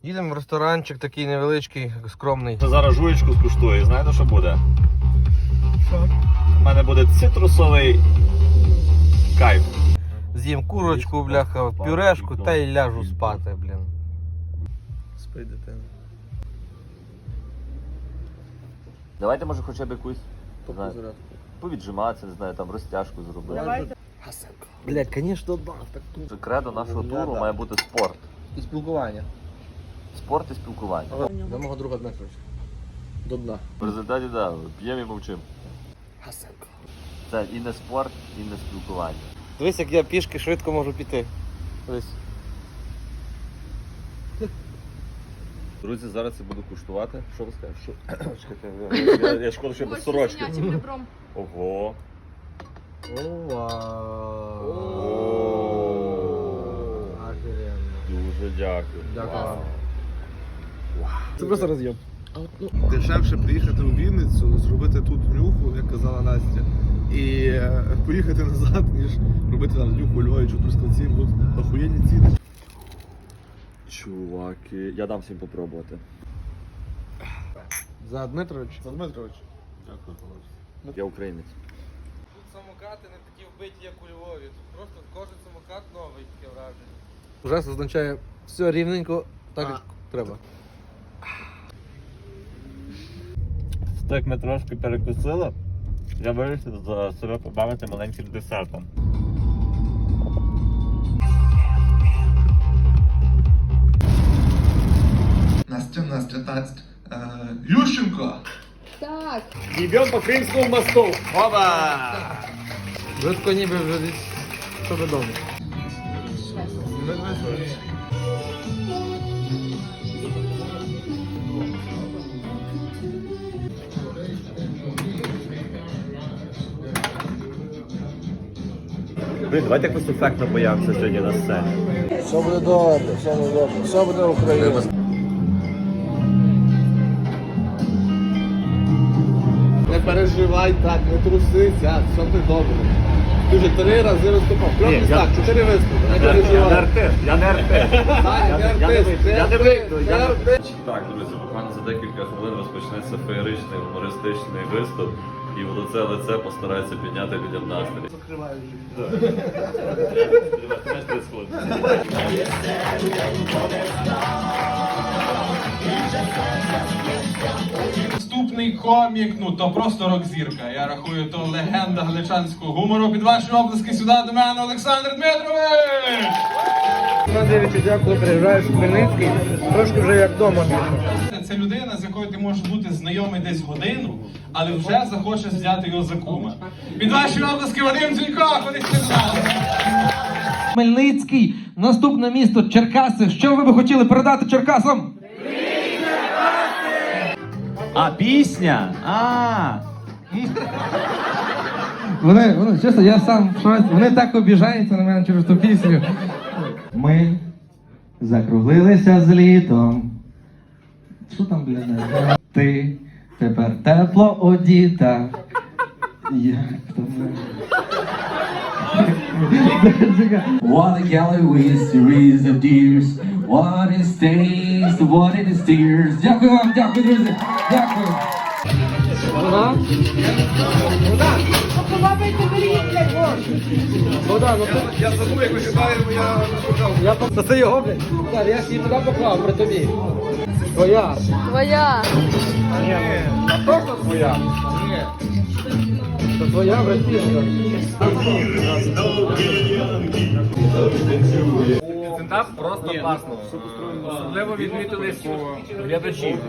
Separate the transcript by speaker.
Speaker 1: Їдемо в ресторанчик такий невеличкий, скромний.
Speaker 2: Зараз жуєчку скуштую, знаєте, що буде? Що? У мене буде цитрусовий кайф.
Speaker 1: З'їм курочку, бляха, пюрешку та й ляжу спати, блін. Спи, дитина.
Speaker 2: Давайте, може, хоча б якусь повіджиматися, не знаю, там розтяжку зробити.
Speaker 3: Давайте.
Speaker 1: Блядь, звісно, да. Так
Speaker 2: Кредо нашого туру має бути спорт.
Speaker 1: і спілкування.
Speaker 2: Спорт і спілкування.
Speaker 1: До мого друга Дмитровича. До дна.
Speaker 2: В результаті, да, п'ємо і мовчимо.
Speaker 1: Гасенко.
Speaker 2: Це і не спорт, і не спілкування.
Speaker 1: Дивись, як я пішки швидко можу піти. Дивись.
Speaker 2: Друзі, зараз я буду куштувати. Що ви скажете? Чекайте, я шкода, що без сорочки. Ого. Дуже дякую.
Speaker 1: Дякую. Це просто роз'єм.
Speaker 3: Дешевше приїхати у Вінницю, зробити тут нюху, як казала Настя, і поїхати назад, ніж робити там нюху у Львові чи Трускавці, будуть охуєнні ціни.
Speaker 2: Чуваки, я дам всім попробувати.
Speaker 1: За Дмитрович.
Speaker 3: За Дмитрович. Дякую, Павлович.
Speaker 2: Я українець.
Speaker 1: Тут самокати не такі вбиті, як у Львові. Тут просто кожен самокат новий, таке враження. Ужас означає все рівненько, так як треба.
Speaker 2: Так ми трошки перекусили. Я вирішив за себе побавити маленьким десертом.
Speaker 3: Настя, тасть. Ющенко!
Speaker 4: Так.
Speaker 2: Йдемо по Кримському мосту. Опа!
Speaker 1: Швидко ніби вже десь що додому.
Speaker 2: Блін, давайте якось ефектно появимося сьогодні на сцені.
Speaker 1: Все буде добре, все буде добре, все буде Україна. Не переживай так, не трусися, все ти добре. Ти вже 3 рази виступав. Кльовний так, 4 виступи. Не переживай.
Speaker 2: Я не артист.
Speaker 1: Я не вийду.
Speaker 2: Так, друзі, буквально за декілька хвилин розпочнеться феєричний гумористичний виступ. І в лице постарається підняти людям настрій.
Speaker 1: Закриваю
Speaker 5: Наступний комік, ну то просто рок-зірка. Я рахую, то легенда галичанського гумору. Під ваші оплески сюди до мене Олександр Дмитрович!
Speaker 1: Дивіться, дякую, приїжджаєш в Хмельницький, трошки вже як вдома.
Speaker 5: Це людина, з якою ти можеш бути знайомий десь годину, але вже захочеш взяти його за кума. Під ваші оплески Вадим Дзюнько, ходить сюди!
Speaker 6: Хмельницький, наступне місто Черкаси. Що ви би хотіли передати Черкасам?
Speaker 2: А пісня?
Speaker 6: Вони, чесно, я сам в шоці. Вони так обіжаються на мене через ту пісню. Ми закруглилися з літом. Що там, блядь? Ти тепер тепло одіта. Я What a gallery series of tears. What is taste, what it is tears. Дякую вам, дякую, друзі. Дякую.
Speaker 3: Я забув, як вишиваємо, я
Speaker 1: Та це його, блядь. Так, я ж її туди поклав, при тобі. Твоя.
Speaker 4: Твоя.
Speaker 1: А точно твоя? Ні. Це твоя, братішка.
Speaker 7: Стендап просто класно. Особливо відмітились глядачі.